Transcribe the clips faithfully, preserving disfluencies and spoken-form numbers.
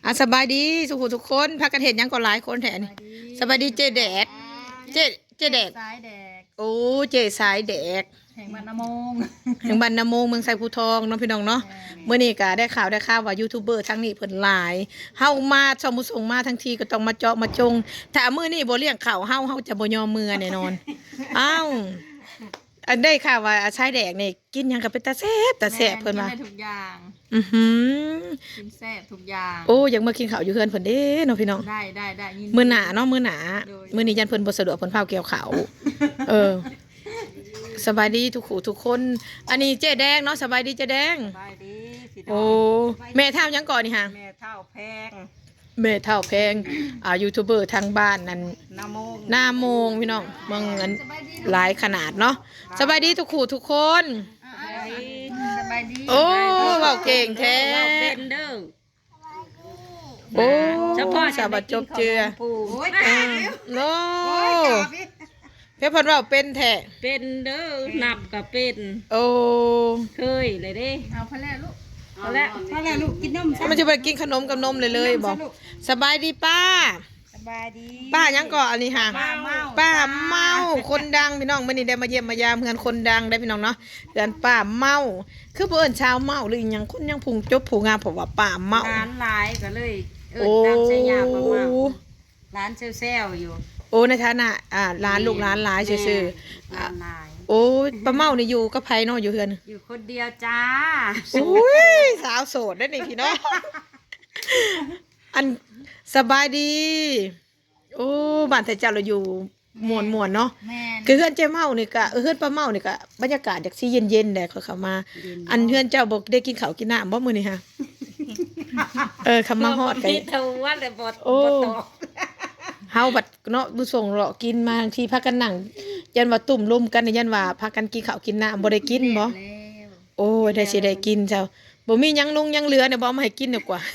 อ่ะสบายดีสุขุทุกคนพากันเห็นยังก็หลายคนแถนี่สบายดีเจแดดเจเจแดดสายแดกโอ้เจสายแดกแห่งบ้านนามงแห่งบ้านนาโมงเมืองไซภูทองเนาะพี่น้องเนาะเมื่อนี้ก็ได้ข่าวได้ข่าวว่ายูทูบเบอร์ทั้งนี้เพิ่นหลายเฮามาชมมุส่งมาทั้งทีก็ต้องมาเจาะมาจงถ้ามื้อนี้บ่เลี้ยงข้าวเฮาเฮาจะบ่ยอมมือแน่นอนอ้าวอันได้ข่าวว่าชายแดกนี่กินหยังก็เป็นตาแซ่บตาแซ่บเพิ่นว่ากินได้ทุกอย่างอือหือกินแซ่บทุกอย่างโอ้ยังมากินข้าวอยู่เฮือนเพิ่นเด้เนาะพี่น้องได้ได้ได้ยินมื้อหน้าเนาะมื้อหน้ามื้อนี้ยันเพิ่นบ่สะดวกเพิ่นพาเกี่ยวข้าวเออสบายดีทุกคู่ทุกคน อันนี้เจ๊แดงเนาะสบายดีเจ๊แดงสบายดีพี่น้โอ้แม่เฒ่ายังก่อนนี่ฮะแม่เท่าแพงแม่เฒ่าแพงอ่ายูทูบเบอร์ทางบ้านนั่นนามงหน้าโมงพี่น้องเมืองอันหลายขนาดเนาะสบายดีทุกคู่ทุกคนสบายดีโอ้เว้าเก่งแท้เป็นเด้อโอ้เฉพาะสาบัดจบเจือโอ้ยโน้เพื่อนเราเป็นแท้เป็นเด้อนับกับเป็นโอ้เคยเลยเด้เอาพะแล่ลูกเอาละพะแล่ลูกกินนมมันจะไปกินขนมกับนมเลยเลยบอกสบายดีป้าสบายดีป้ายังก่ออันนี้ค่ะป้าเมาป้าเมาคนดังพี่น้องมื่อนี้ได้มาเยี่ยมมายามเพื่อนคนดังได้พี่น้องเนาะเพื่อนป้าเมาคือเพื่อนชาวเมาหรือยังคนยังพุงจบผูงามผมว่าป้าเมาร้านหลายก็เลยเออตามใช้ยาป้าเมาร้านเซลล์อยู่โอ้ในฐานะอ่าร้านลูกร้านหลายซื่อๆร้านหลายโอ้ป้าเมานี่อยู่กับไผเนาะอยู่เฮือนอยู่คนเดียวจ้าโอ้ยสาวโสดได้นี่พี่น้องอันสบายดีโอ้บ้านแต่เจ้าเราอยู่มวนมวนเนาะคือเฮือนเจ้าเมานี่ก็เฮือนป้าเมานี่ก็บรรยากาศจากที่เย็นเย็นแหละเขาเข้ามาอันเฮือนเจ้าบอกได้กินข้าวกินน้ำบ่มื้อนี้ฮะเออคำมาฮอดกันเทวันแต่บ่โอ้บ่ตกเฮาบัดเนาะบุส่งเลาะกินมาทางที่พากันนั่งยันว่าตุ่มลุมกันยันว่าพากันกินข้าวกินน้ำบ่ได้กินบ่โอ้ได้สิได้กินเจ้าบ่มีหยังลงยังเหลือเนี่ยบ่มาให้กินดีกว่า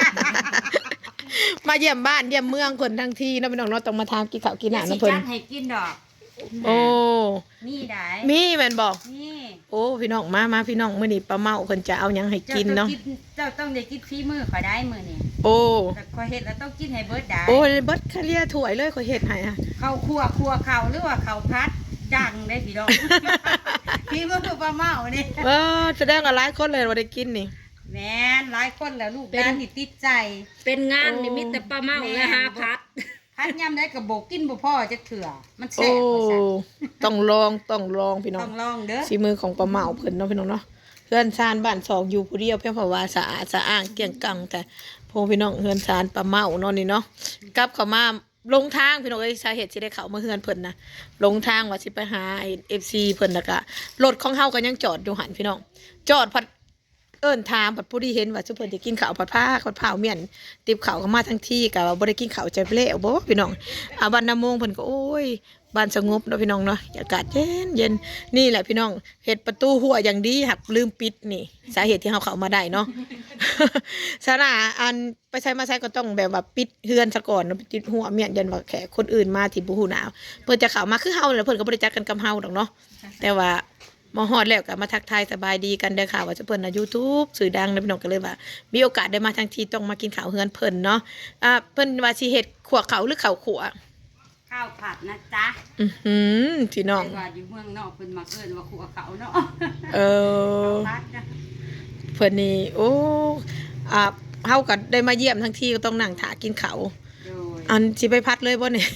มาเยี่ยมบ้านเยี่ยมเมืองคนทั้งที่เนาะพี่น้องเนาะต้องมาทานกินข้าวกินน้ำนะเพิ่นให้กินดอกโอ้มีได้มีแม่นบ่นี่โอ้พี่น้องมามาพี่น้องมื้อนี้ป้าเมาเพิ่นจะเอาหยังให้กินเนาะเจ้าต้องได้กินฝีมือข่อยได้มื้อนี้โอ้แต่ข่อยเฮ็ดแล้วต้องกินให้เบิดได้โอ้เบิดคาเรียถ้วยเลยข่อยเฮ็ดให้อ่ะข้าวคั่วคั่วข้าวหรือว่าข้าวพัดจังได้พี่น้องฝีมือป้าเมานี่เออแสดงว่าหลายคนเลยว่าได้กินนี่แม่นหลายคนแล้วลูกหลานนี่ติดใจเป็นงานนี่มีแต่ป้าเมาและหาพัดพัดยำได้กับโบกกินบ่พ่อจะเถื่อมันแซ่บกว่าซั่นต้องลองต้องลองพี่น้องต้องลองเด้อฝีมือของป้าเมาเพิ่นเนาะพี่น้องเนาะเฮือนซานบ้านสองอยู่ผู้เดียวเพียงเพราะว่าสะอาดสะอ้างเกลี้ยงกังแต่พอพี่น้องเฮือนซานป้าเมาเนาะนี่เนาะกลับเข้ามาลงทางพี่น้องเอ้ยสาเหตุที่ได้เข้ามาเฮือนเพิ่นนะลงทางว่าสิไปหาไอ้ เอฟ ซี เพิ่นแล้วก็รถของเฮาก็ยังจอดอยู่หันพี่น้องจอดพัดเอิ้นถามผัดผู้ที่เห็นว่าซุเพิ่นจะกินข้าวผัดผ้าผัดผ้าเมี่ยนติบข้าวก็มาทั้งที่ก็บ่ได้กินข้าวใจเปแล้วบ่พี่น้องอ่าบ้านนาโมงเพิ่นก็โอ้ยบ้านสงบเนาะพี่น้องเนาะอากาศเย็นเย็นนี่แหละพี่น้องเฮ็ดประตูหัวอย่างดีหักลืมปิดนี่สาเหตุที่เฮาเข้ามาได้เนาะสาระอันไปใช้มาใช้ก็ต้องแบบว่าปิดเฮือนซะก่อนเนาะปิดหัวเมี่ยนยันว่าแขกคนอื่นมาที่บ่ฮู้หนาวเพิ่นจะเข้ามาคือเฮาแหละเพิ่นก็บ่ได้จักกันกับเฮาดอกเนาะแต่ว่ามาฮอดแล้วก็มาทักทายสบายดีกันเด้อค่ะว่าจะเพิ่นนะ YouTube สื่อดังแล้วพี่น้องก็เลยว่ามีโอกาสได้มาทั้งทีต้องมากินข้าวเฮือนเพิ่นเนาะอ่าเพิ่นว่าสิเฮ็ดขั่วข้าวหรือข้าวขั่วข้าวผัดนะจ๊ะอื้อหือพี่น้องว่าอยู่เมืองนอกเพิ่นมักเอิ้นว่าขั่วข้าวเนาะเออเพิ่นนี่โอ้อ่าเฮาก็ได้มาเยี่ยมทั้งทีก็ต้องนั่งถากินข้าวอันสิไปพัดเลยบ่เนี่ย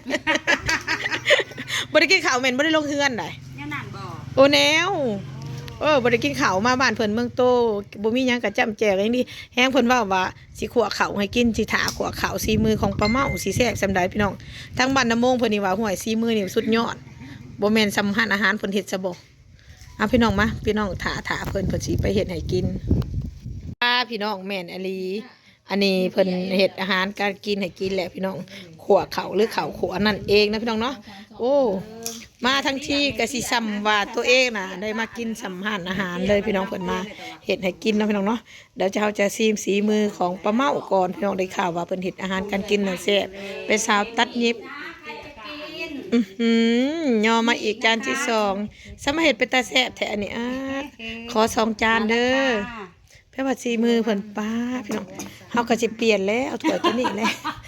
บ่ได้กินข้าวแม่นบ่ได้ลงเฮือนได้โอ้แนวเออบ่ได้กินข้าวมาบ้านเพิ่นเมืองโตบ่มีหยังก็จ้ำแจกอย่างนี้แฮงเพิ่นว่าว่าสิขั่วข้าวให้กินสิถาขั่วข้าวสีมือของป้าเมาสิแซ่บซำใดพี่น้องทั้งบ้านน้ำมงเพิ่นนี่ว่าห้วยสีมือนี่สุดยอดบ่แม่นสำคัญอาหารเพิ่นเฮ็ดซะบ่เอาพี่น้องมาพี่น้องถาถาเพิ่นเพิ่นสิไปเฮ็ดให้กินป้าพี่น้องแม่นอลีอันนี้เพิ่นเฮ็ดอาหารการกินให้กินแหละพี่น้องขั่วข้าวหรือข้าวขั่วนั่นเองนะพี่น้องเนาะโอ้มาทั้งที่กะสิซ้ำว่าตัวเองน่ะได้มากินสัมภาษณ์อาหารเลยพี่น้องเพิ่นมาเฮ็ดให้กินเนาะพี่น้องเนาะเดี๋ยวจะเฮาจะซีมสีมือของป้าเมาก่อนพี่น้องได้ข่าวว่าเพิ่นเฮ็ดอาหารการกินน่ะแซ่บเป็นสาวตัดเย็บอื้อหือย่อมาอีกจานที่สองสมาเฮ็ดเป็นตาแซ่บแท้อันนี้อ่ะขอสองจานเด้อแพ่ว่าสีมือเพิ่นป้าพี่น้องเฮาก็สิเปลี่ยนแล้วเอาถ้วยตัวนี้แหละ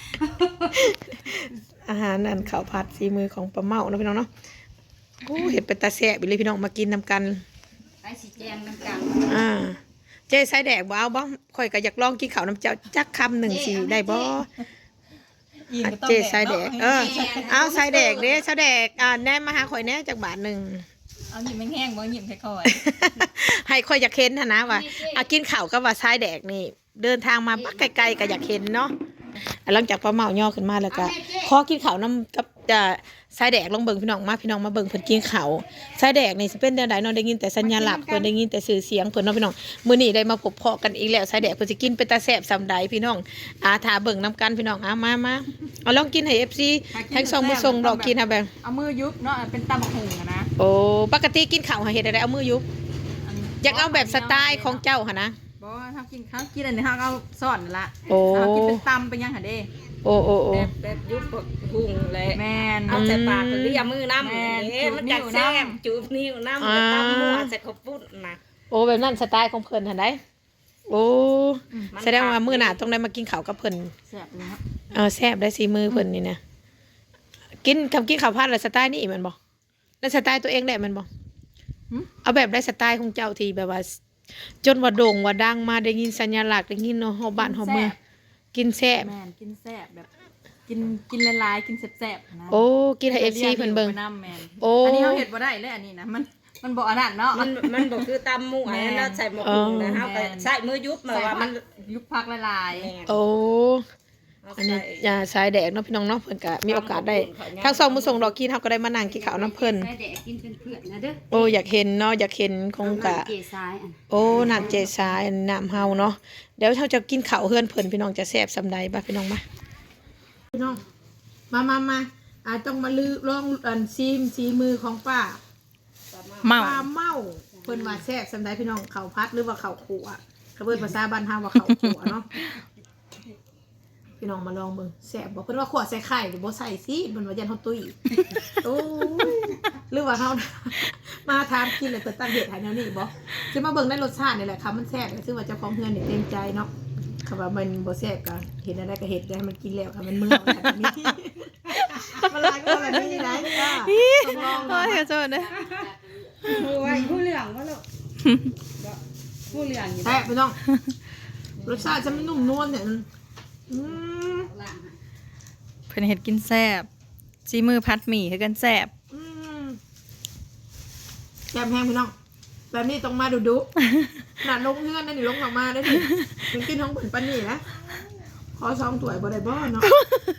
อาหารนั่นข้าวผัดสีมือของป้าเมาเนาะพี่น้องเนาะโอ้เห็ดเป็นตาแซ่บอีเลยพี่น้องมากินนำกันไปสิแจงน้ำกันอ่าเจ๊ใส่แดกบ่เอาบ่ข่อยก็อยากลองกินข้าวน้ำเจ้าจักคำหนึ่งสิได้บ่อ่ะเจ๊ใส่แดกเออเอาใส่แดกเด้ใส่แดกอ่าแหนมมาหาข่อยแหน่จักบาทหนึ่งเอาหยิบแห้งๆบ่หยิบค่อยให้ข่อยอยากเห็นหั่นนะว่าอ่ะกินข้าวกับว่าใส่แดกนี่ เดินทางมาบักไกลๆก็อยากเห็นเนาะอ่ะหลังจากป้าเมาย่อขึ้นมาแล้วก็ขอกินข้าวน้ำกับจะสายแดกลองเบิ่งพี่น้องมาพี่น้องมาเบิ่งเพิ่นกินข้าวสายแดกนี่สิเป็นจังไดเนาะได้ยินแต่สัญญาลักษณ์เพิ่นได้ยินแต่ชื่อเสียงเพิ่นเนาะพี่น้องมื้อนี้ได้มาพบเพาะกันอีกแล้วสายแดกเพิ่นสิกินเป็นตาแซ่บซำใดพี่น้องอาถ้าเบิ่งนํกันพี่น้องเอามามาเอาลองกินให้ เอฟ ซี ทั้งสองมื้อส่งดอกกินค่ะแบงๆเอามือยุบเนาะเป็นตำบักหุ่งอะนะโอ้ปกติกินข้าวหาเฮ็ดได้เอามือยุบอยากเอาแบบสไตล์ของเจ้าหั่นนะบ่ถ้ากินข้าวกินอันนี้เฮาเอาซ่อนนั่นละโอ้เอากินเป็นตำเป็นยังหั่นเด้โอ้โอ้โอ้แบบแบบยุบหุ่งเลยแม่นเอาใส่ปากเรียมือน้ำแม่นเอ๊ะมันจัดจูบนิ้วแซ่น้ำบจูบนิ้วน้ำแล้วตำมั่วใส่ข้าวปุ้นนะโอ้แบบนั้นสไตล์ของเพิ่นหั่นได้โอ้มันแสดงว่ามื้อหน้าต้องได้มากินข้าวกับเพิ่นแซ่บเลยครับเออแซ่บได้สีมือเพิ่นนี่นะกินคำกินข้าวผัดแล้วสไตล์นี่แมันบ่แล้วสไตล์ตัวเองได้แมันบ่เอาแบบได้สไตล์ของเจ้าที่แบบว่า จนว่าโด่งว่าดังมาได้ยินสัญลักษณ์ได้ยินเนาะเฮาบ้านเฮาเมืองกินแซ่บแม่นกินแซ่บแบบ กินกินละลายกินแซ่บๆนะโอ้กินให้ เอฟ ซี เพิ่นเบิ่งน้ำแม่นโอ้อันนี้เฮาเฮ็ดบ่ได้เลยอันนี้นะมันมันบ่อันนั้นเนาะมันมันบอกคือตำมั่วแม่นแล้วใส่หมกหุ่งนะอ๋อเฮาก็ใส่มือยุบมาว่ามันยุบพักละลายโอ้อันนี้ยาสายแดกเนาะพี่น้องเนาะเพิ่นก็มีโอกาสได้ทั้งสองมื้อส่งดอกกินเฮาก็ได้มานั่งกินข้าวน้ำเพิ่นใส่แดกกินเป็นเพื่อนนะเด้อโอ้อยากเห็นเนาะอยากเห็นคงกะเกซ้ายอันโอ้น้ำเจสายน้ำเฮาเนาะเดี๋ยวเราจะกินข้าวเฮือนเพิ่นพี่น้องจะแซ่บสำใดบ่พี่น้องมาพี่น้องมามามาอาต้องมาลือลองอันซีมซีมือของป้าเมาป้าเมาเพิ่นว่าแซ่บสำใดพี่น้องข้าวพัดหรือว่าข้าวขั่วเขาเพิ่นภาษาบ้านเฮาว่าข้าวขั่วเนาะพี่น้องมาลองเบิ่งแซ่บบ่เพิ่นว่าขั่วใส่ไข่หรือบ่ใส่สิเพิ่นว่ายันเฮาตุ้ยโอ้ยหรือว่าเฮา มาทานกินแล้วเพิ่นตั้งเฮ็ดให้แนวนี้บ่สิมาเบิ่งในรสชาตินี่แหละค่ะมันแซ่บซึ่งว่าเจ้าของเฮือนนี่เต็มใจเนาะค่ะว่ามันบ่แซ่บก็เห็นอะไรก็เฮ็ดได้ให้มันกินแล้วค่ะมันเมื่อยแบบนี้มันหลายก็แบบนี้ได้จ้าต้องลองโอ้เนาะยโทษนะผู้ไว้ผู้เหลืองว่าลูกผู้เหลืองอยู่แซ่บพี่น้องรสชาติจะมันนุ่มนวลเนี่ยอืมเพิ่นเฮ็ดกินแซ่บซีมือพัดหมี่คือกันแซ่บอืมแซ่บแห้งพี่น้องแบบนี้ต้องมาดูดุหนาลงเงื่อนนั่นนี่ลงออกมาได้ดิถึงกินท้องผลปันนี่นะขอซองถ้วยบ่ได้บ่เนาะ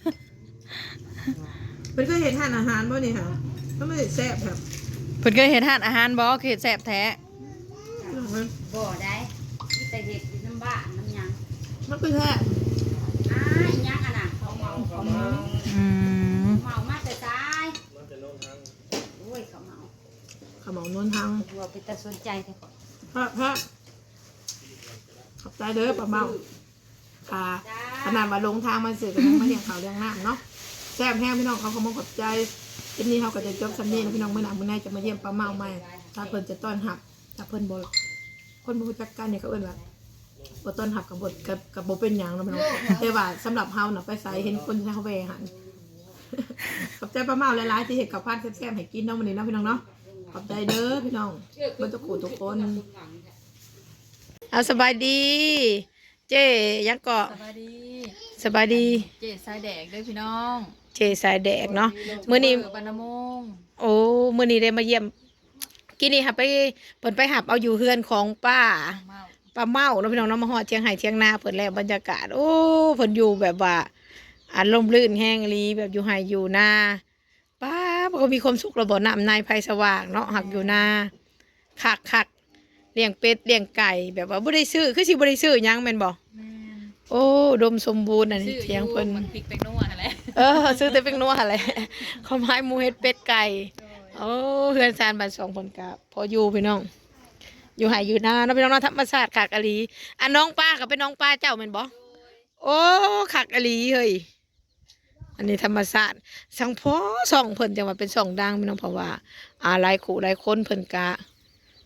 เป็นก็เห็นทานอาหารบ่นี่ค่ะก็ไม่ได้แซ่บครับเพิ่นเคยเฮ็ดทานอาหารบ่คือเฮ็ดแซ่บแท้บ่ได้ที่แต่เห็ดอยู่น้ำบ้านน้ำยังมันคือแซ่บอ้ายยังอ่ะน่ะเขาเมาเขาเมาอืมเมามาแต่ซ้ายโอ้ยเขาเมาขมนวลทางบัวเป็นตาสนใจแต่ก่อนพระพระขอบใจเด้อป้าเมาค่ะขนาดว่าลงทางมาสื่อกันยังไม่เลี้ยงเขาวเลี้ยงน้ำเนาะแซ่บแห้งพี่น้องเขาขโมยขอบใจทีนี้เขาก็จะจบสำเนียงพี่น้องเมื่อหนักเมื่อไหร่จะมาเยี่ยมป้าเมาใหม่ถ้าเพิ่นจะต้อนรับถ้าเพิ่นบ่คนบ่รู้จักกันเนี่ยเขาเอิ้นว่าบ่ต้อนรับกับบทกับกับบ่เป็นหยังเนาะพี่น้องแต่ว่าสำหรับเฮาน่ะไปไสเห็นคนที่เขาแวหัน ขอบใจป้าเมาหลายๆที่เฮ็ดกับพานแซ่บๆให้กินเนาะมื้อนี้เนาะพี่น้องเนาะขอบใจเด้อพี่น้องเบิ่ทุกผู้ทุกคนเอาสบายดี เจ๊ยังเกาะสวัสดีสบายดีเจ๊สายแดกเด้อพี่น้องเจสายแดกเนาะมื้อนี้บรรณมงโอ้มื้อนี้ได้มาเยี่ยมกินนี่ค่ะไปเพิ่นไปหับเอาอยู่เฮือนของป้าเมาป้าเมาเนาะพี่น้องเนาะมาฮอดเชียงไห้เชียงนาเพิ่นแล้วบรรยากาศ โอ้เพิ่นอยู่แบบว่าอารมณ์ลื่นแห้งอีหลีแบบอยู่ไห้อยู่นาป้ามันก็มีความสุขระบ่น้ำในไผสว่างเนาะหักอยู่นาคักๆเลี้ยงเป็ดเลี้ยงไก่แบบว่าบ่ได้ซื้อคือสิบ่ได้ซื้อหยังแม่นบ่แม่นโอ้อุดมสมบูรณ์อันนี้ชื่อเถียงเพิ่นมันพริกแป้งนัวนั่นแหละเออซื้อแต่เป็นนัวแหละข้าวไม้หมูเฮ็ดเป็ดไก่โอ้เฮือนซานบ้านสองคนกับพออยู่พี่น้อง อยู่หายอยู่นาเนาะพี่น้องเนาะธรรมชาติขากอลีอันน้องป้ากับเป็นน้องป้าเจ้าแม่นบ่โอ้ขากอลีเฮ้ยอันนี้ธรรมชาติสังพอส่องเพิ่นจังว่าเป็นส่องดังพี่น้องเพราะว่าอ่าหลายคู่หลายคนเพิ่นกะ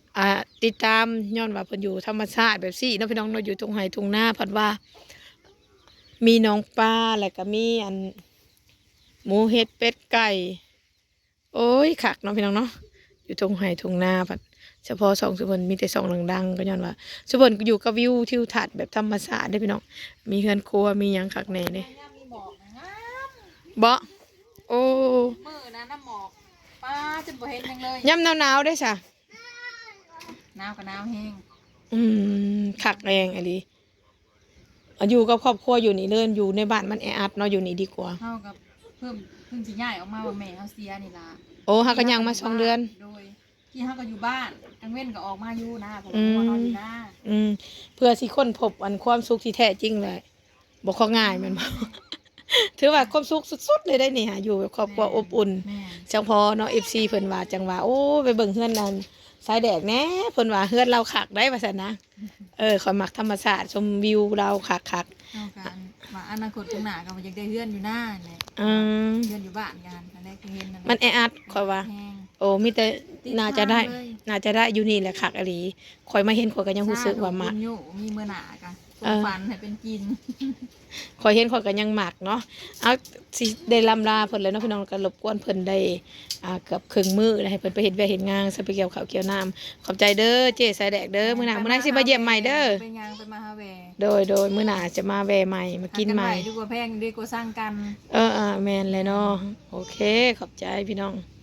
อ่าติดตามย้อนว่าเพิ่นอยู่ธรรมชาติแบบซี่เนาะพี่น้องเนาะอยู่ตรงไห้ตรงหน้าเพิ่นว่า มีน้องปลาแล้วก็มีอันหมูเห็ดเป็ดไก่โอ้ยคักเนาะพี่น้องเนาะอยู่ตรงไห้ตรงหน้าเพิ่นเฉพาะสองสุพรรณมีแต่สองดังๆก็ย้อนว่าสุพรรณอยู่กับวิวทิวทัศน์แบบธรรมชาติเด้อพี่น้องมีเฮือนครัวมีหยังคักแน่เด้บ่โอ้มือนะน้ำหมอกป้าจะบ่เห็นยังเลยยามหนาวๆได้ซะหนาวกับหนาวแห้งอืมคักแรงอันนี้อยู่กับครอบครัวอยู่นี่เดินอยู่ในบ้านมันแออัดเนาะอยู่นี่ดีกว่าเท่ากับเพิ่มเพิ่งสิย้ายออกมาว่าแม่เฮาเสียนี่ล่ะโอ้ฮักก็ยังมาสองเดือนโดยที่เฮาก็อยู่บ้านกลางเว้นก็ออกมาอยู่นะผมอืมว่าเฮาอยู่นะอืมเพื่อสิค้นพบอันความสุขที่แท้จริงเลยบอกเขาง่ายแมันบ่ ถือว่าความสุขสุดๆเลยได้นี่ฮะอยู่กับครอบครัวอบอุ่นแม่จังพอเนาะ เอฟ ซี เพิ่นว่าจังว่าโอ้ไปเบิ่งเฮือนนั่นสายแดกแหน่เพิ่นว่าเฮือนเราคักได้ว่าซั่นนะเออขอยมักธรรมชาติชมวิวเราคักเท่ากันว่าอนาคตข้างหน้าก็บ่อยากได้เฮือนอยู่หน้าแหละๆอืมเฮือนอยู่บ้านกันอันนี้คือเห็นนั่นแหละมันแออัดข่อยว่าแห้งโอ้มีแต่น่าจะได้ติดทางเลยน่าจะได้อยู่นี่แหละคักอหลีข่อยมาเห็นข่อยก็ยังรู้สึกว่ามักบุญอยู่มีมื้อหน้ากันเออฝันให้เป็นกินข่อยเห็นข่อยก็ยังมักเนาะเอาสิได้ลำลาเพิ่นเลยเนาะพี่น้องก็รบกวนเพิ่นได้อ่าเกือบครึ่งมื้อแล้วให้เพิ่นไปเฮ็ดเวียกเฮ็ดงานซะไปเกี่ยวข้าวเกี่ยวน้ำขอบใจเด้อเจ๊สายแดกเด้อมื้อหน้ามื้อหน้าสิมาเยี่ยมใหม่เด้อไปยางไปมาฮาเวโดยโดยมื้อหน้าจะมาแวะใหม่มากินใหม่ดีกว่าแพงดีกว่าสร้างกันเอออ่าแม่นเลยเนาะโอเคขอบใจพี่น้อง